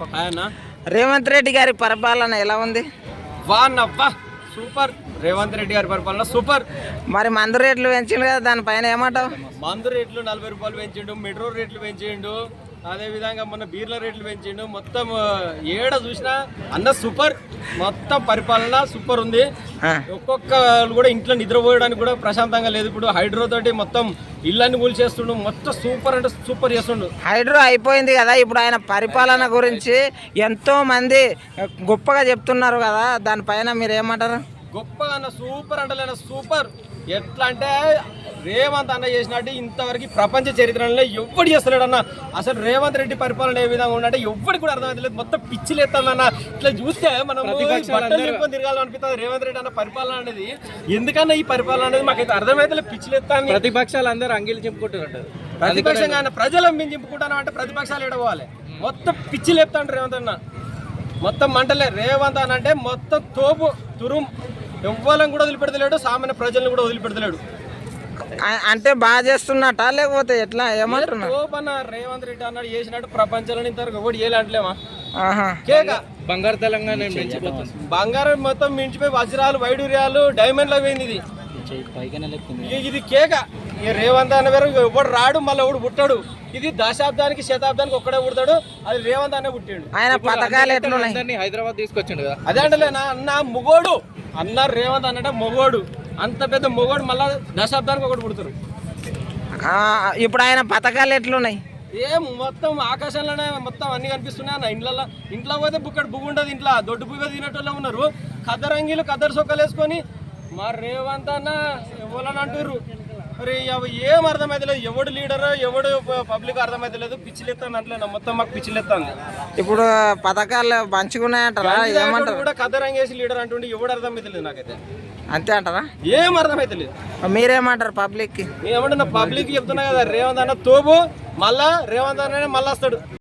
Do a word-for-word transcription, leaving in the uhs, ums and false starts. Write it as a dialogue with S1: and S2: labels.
S1: ఆయన
S2: రేవంత్ రెడ్డి గారి పరిపాలన ఎలా ఉంది?
S1: వానవ్వా సూపర్. రేవంత్ రెడ్డి గారి పరిపాలన సూపర్.
S2: మరి మందు రేట్లు పెంచిండు కదా, దానిపైన ఏమంటావు?
S1: మందు రేట్లు నలభై రూపాయలు పెంచిండు, మెట్రో రేట్లు పెంచిండు, అదే విధంగా మొన్న బీర్ల రేట్లు పెంచిండు. మొత్తం ఏడ చూసినా అన్న సూపర్. మొత్తం పరిపాలన సూపర్ ఉంది. ఒక్కొక్కరు కూడా ఇంట్లో నిద్రపోయడానికి కూడా ప్రశాంతంగా లేదు. ఇప్పుడు హైడ్రో తోటి మొత్తం ఇళ్ళని కూల్చేస్తుండు. మొత్తం సూపర్ అంటే సూపర్ చేస్తుండు.
S2: హైడ్రో అయిపోయింది కదా, ఇప్పుడు ఆయన పరిపాలన గురించి ఎంతో మంది గొప్పగా చెప్తున్నారు కదా, దానిపైన మీరు ఏమంటారు?
S1: గొప్పగా అన్న సూపర్ అంటలేన సూపర్. ఎట్లా అంటే రేవంత్ అన్న చేసినట్టు ఇంతవరకు ప్రపంచ చరిత్రలో ఎవ్వడు చేస్తలేడు అన్న. అసలు రేవంత్ రెడ్డి పరిపాలన ఏ విధంగా ఉన్నట్టే ఎవ్వడికి కూడా అర్థమవుతలేదు. మొత్తం పిచ్చిలేస్తుందన్న. ఇట్లా చూస్తే మనం బట్టలు తిరగాలనిపిస్తుంది రేవంత్ రెడ్డి అన్న పరిపాలన అనేది. ఎందుకన్నా ఈ పరిపాలన అనేది మాకైతే అర్థమైతే పిచ్చిలేస్తాను.
S3: ప్రతిపక్షాలు అందరూ అంగీలు చెప్పుకుంటున్నారు.
S1: ప్రతిపక్షంగా అన్న ప్రజలు మేము చెప్పుకుంటాను అంటే ప్రతిపక్షాలు ఎడవాలి. మొత్తం పిచ్చి లేపుతాంటారు రేవంత్ అన్న. మొత్తం మంటలే రేవంత్ అన్న అంటే మొత్తం తోపు తురుం. ఎవ్వరం కూడా వదిలిపెడతలేడు, సామాన్య ప్రజలను కూడా వదిలిపెడతలేడు.
S2: అంటే బాగా చేస్తున్నట్టా లేకపోతే ఎట్లా ఏమంటున్నా?
S1: తోపన్న రేవంత్ రెడ్డి అన్నాడు చేసినట్టు ప్రపంచంలో ఇంతవరకు ఎవరు చేయలేంటలేమా? కేక
S3: బంగారు తెలంగాణ
S1: బంగారం మొత్తం మించిపోయి వజ్రాలు, వైడూర్యాలు, డైమండ్లు పోయింది. ఇది ఇది కేక. ఈ రేవంత్ అన్న వేరు ఎవడు రాడు, మళ్ళీ ఎవడు పుట్టాడు. ఇది దశాబ్దానికి శతాబ్దానికి ఒక్కడే పుడతాడు. అది రేవంత్ అనే పుట్టాడు.
S2: ఆయన పథకాలు ఎట్లున్నాయి?
S3: హైదరాబాద్ తీసుకొచ్చిండు కదా.
S1: అదే అంటలేనా అన్న మొగోడు అన్న రేవంత్ అన్నట మొగోడు. అంత పెద్ద మొగోడు మళ్ళా దశాబ్దానికి ఒకటి పుడతారు.
S2: ఇప్పుడు ఆయన పథకాలు ఎట్లున్నాయి?
S1: ఏం మొత్తం ఆకాశంలోనే మొత్తం అన్ని కనిపిస్తున్నాయి అన్న. ఇంట్లో ఇంట్లో పోతే బుక్కడు బుగ్గు ఉంటుంది. ఇంట్లో దొడ్డు బుగ్గ తినటోళ్ళే ఉన్నారు. కద్దరంగిలు కద్దరు సొక్కలు వేసుకొని మా రేవంత్ అన్న ఎవరని అంటారు. మరి ఏం అర్థమైతలేదు. ఎవడు లీడర్ ఎవడు పబ్లిక్ అర్థమైతలేదు. పిచ్చిలెత్తాను అంటలేనా మొత్తం మాకు పిచ్చిలెత్తాంది.
S2: ఇప్పుడు పథకాలు మంచిగున్నాయంటారా? ఏమంటారు?
S1: కూడా కద్దరంగేసి లీడర్ అంటుండే ఎవడు అర్థమైతలేదు నాకైతే.
S2: అంతే అంటారా?
S1: ఏం అర్థమైతలేదు.
S2: మీరేమంటారు పబ్లిక్ కి?
S1: ఏమంటున్నా పబ్లిక్ చెప్తున్నా కదా, రేవంత్ అన్న తోపు. మళ్ళా రేవంత్ అన్న మళ్ళీ వస్తాడు.